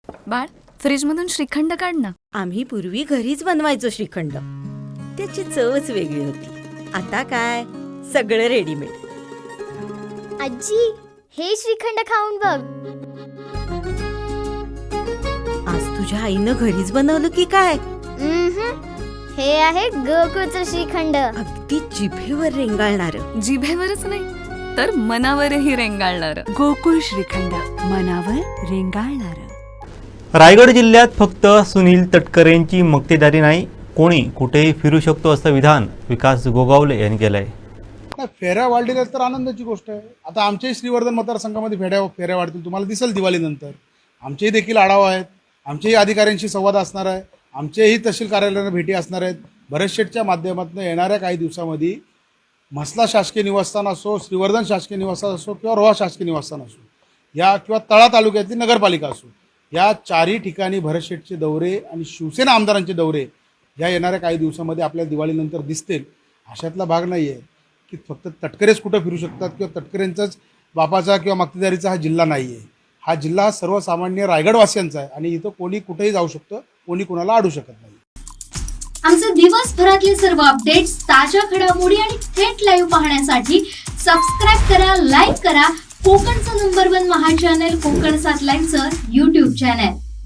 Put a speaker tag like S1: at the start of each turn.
S1: बाळ, फ्रीजमधून श्रीखंड काढ ना.
S2: आम्ही पूर्वी घरीच बनवायचो श्रीखंड. त्याची चवच वेगळी होती. आता काय सगळं रेडीमेड.
S3: आजी, हे श्रीखंड खाऊन बघ.
S2: आज तुझ्या आईनं घरीच बनवलं की काय?
S3: हे आहे गोकुळचं श्रीखंड.
S2: अगदी जिभेवर रेंगाळणार.
S1: जिभेवरच नाही तर मनावरही रेंगाळणार.
S4: गोकुळ श्रीखंड, मनावर रेंगाळणार.
S5: रायगड जिल्ह्यात फक्त सुनील तटकरेंची मक्तेदारी नाही, कोणी कुठेही फिरू शकतो असं विधान विकास गोगावले यांनी केलं आहे.
S6: फेऱ्या वाढलेल्या तर आनंदाची गोष्ट आहे. आता आमच्याही श्रीवर्धन मतदारसंघामध्ये फेऱ्या वाढतील, तुम्हाला दिसेल दिवाळीनंतर. आमचेही देखील आढावा आहेत, आमचेही अधिकाऱ्यांशी संवाद असणार आहे, आमचेही तहसील कार्यालयाला भेटी असणार आहेत. भरत शेठच्या माध्यमातून येणाऱ्या काही दिवसामध्ये म्हसला शासकीय निवासस्थान असो, श्रीवर्धन शासकीय निवासस्थान असो किंवा रोहा शासकीय निवासस्थान असो, या किंवा तळा तालुक्यातली नगरपालिका असो, या चारही ठिकाणी भरत शेठचे दौरे आणि शिवसेना आमदारांचे दौरे या येणाऱ्या काही दिवसामध्ये आपल्याला दिवाळीनंतर दिसतील. अशातला भाग नाही आहे की फक्त तटकरेच कुठं फिरू शकतात किंवा तटकरेंचाच बापाचा किंवा मक्तेदारीचा हा जिल्हा नाही आहे. हा जिल्हा सर्वसामान्य रायगडवासियांचा आहे आणि इथं कोणी कुठेही जाऊ शकतं, कोणी कुणाला अडू शकत नाही.
S7: आमचे दिवसभरातले सर्व अपडेट्स, ताज्या घडामोडी आणि थेट लाईव्ह पाहण्यासाठी सबस्क्राईब करा, लाईक करा कोकणचं नंबर 1 महा चॅनल कोकण 7 लाईव्हचं YouTube चॅनल.